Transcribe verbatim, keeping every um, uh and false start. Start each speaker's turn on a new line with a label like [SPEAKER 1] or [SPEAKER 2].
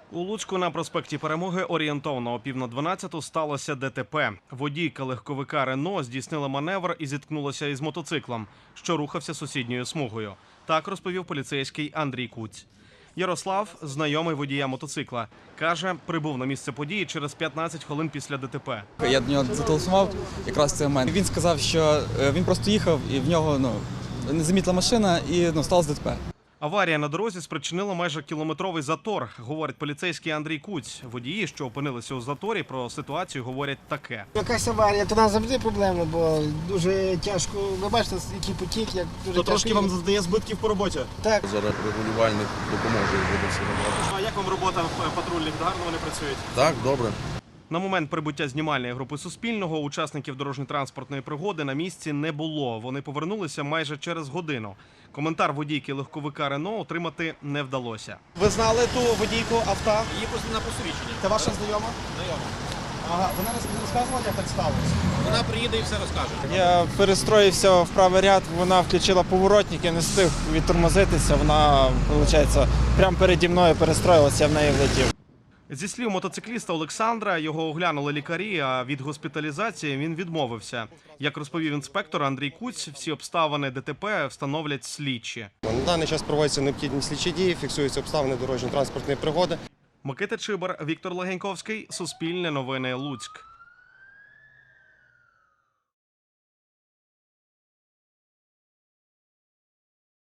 [SPEAKER 1] У Луцьку на проспекті Перемоги орієнтовно о пів на дванадцяту сталося ДТП. Водійка легковика «Рено» здійснила маневр і зіткнулася із мотоциклом, що рухався сусідньою смугою. Так розповів поліцейський Андрій Куць. Ярослав, знайомий водія мотоцикла, каже, прибув на місце події через п'ятнадцять хвилин після ДТП.
[SPEAKER 2] Я до нього зателефонував якраз в цей момент. Він сказав, що він просто їхав і в нього ну, не замітила машина і ну, сталося ДТП.
[SPEAKER 1] Аварія на дорозі спричинила майже кілометровий затор, говорить поліцейський Андрій Куць. Водії, що опинилися у заторі, про ситуацію говорять таке.
[SPEAKER 3] Якась аварія, то нам завжди проблема, бо дуже тяжко. Ви бачите, який потік, як дуже
[SPEAKER 4] То
[SPEAKER 3] тяжко.
[SPEAKER 4] трошки вам завдає збитків по роботі?
[SPEAKER 3] Так.
[SPEAKER 5] Зараз регулювальник допоможе буде все робити.
[SPEAKER 4] А як вам робота патрульних? Гарно вони працюють?
[SPEAKER 5] Так, добре.
[SPEAKER 1] На момент прибуття знімальної групи Суспільного учасників дорожньо-транспортної пригоди на місці не було. Вони повернулися майже через годину. Коментар водійки легковика «Рено» отримати не вдалося.
[SPEAKER 4] Ви знали ту водійку авто?
[SPEAKER 6] Її на посвідчення.
[SPEAKER 4] Це ваша знайома?
[SPEAKER 6] Знайома.
[SPEAKER 4] Ага, вона не розказувала, як так сталося?
[SPEAKER 6] Вона приїде і все розкаже.
[SPEAKER 7] Я перестроївся в правий ряд, вона включила поворотник, я не встиг відтормозитися, вона, виходить, прямо переді мною перестроїлася, я в неї влетів.
[SPEAKER 1] Зі слів мотоцикліста Олександра, його оглянули лікарі, а від госпіталізації він відмовився. Як розповів інспектор Андрій Куць, всі обставини ДТП встановлять слідчі.
[SPEAKER 8] На даний час проводяться необхідні слідчі дії, фіксуються обставини дорожньо-транспортної пригоди.
[SPEAKER 1] Микита Чибар, Віктор Легеньковський, Суспільне новини, Луцьк.